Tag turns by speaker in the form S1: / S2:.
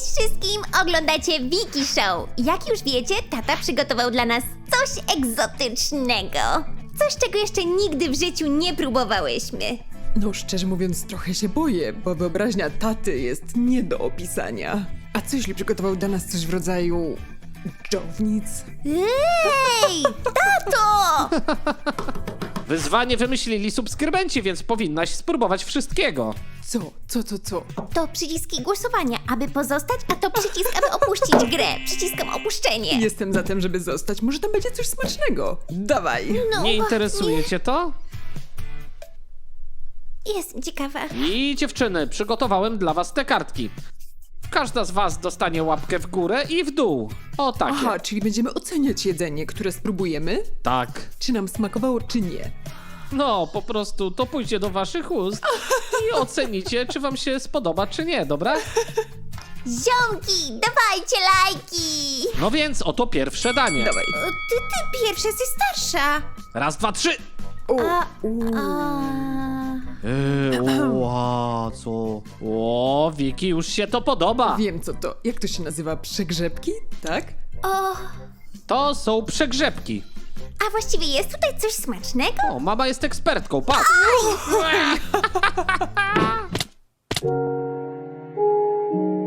S1: Cześć wszystkim! Oglądacie Wiki Show. Jak już wiecie, tata przygotował dla nas coś egzotycznego. Coś, czego jeszcze nigdy w życiu nie próbowałyśmy.
S2: No szczerze mówiąc trochę się boję, bo wyobraźnia taty jest nie do opisania. A co jeśli przygotował dla nas coś w rodzaju... dżownic?
S1: Ej, tato!
S3: Wyzwanie wymyślili subskrybenci, więc powinnaś spróbować wszystkiego.
S2: Co?
S1: To przyciski głosowania, aby pozostać, a to przycisk, aby opuścić grę. Przyciskam opuszczenie.
S2: Jestem za tym, żeby zostać. Może tam będzie coś smacznego. Dawaj!
S1: No,
S3: Nie interesuje cię to?
S1: Jestem ciekawa.
S3: I dziewczyny, przygotowałem dla was te kartki. Każda z was dostanie łapkę w górę i w dół. O takie.
S2: Aha, czyli będziemy oceniać jedzenie, które spróbujemy?
S3: Tak.
S2: Czy nam smakowało, czy nie?
S3: No, po prostu to pójdzie do waszych ust i ocenicie, czy wam się spodoba, czy nie, dobra?
S1: Ziomki, dawajcie lajki!
S3: No więc oto pierwsze danie.
S2: Dawaj.
S1: Ty pierwsza, jesteś starsza.
S3: Raz, dwa, trzy. Co? O, Wiki, już się to podoba.
S2: Wiem co to. Jak to się nazywa? Przegrzebki? Tak?
S1: O,
S3: To są przegrzebki.
S1: a właściwie jest tutaj coś smacznego?
S3: O, mama jest ekspertką, patrz.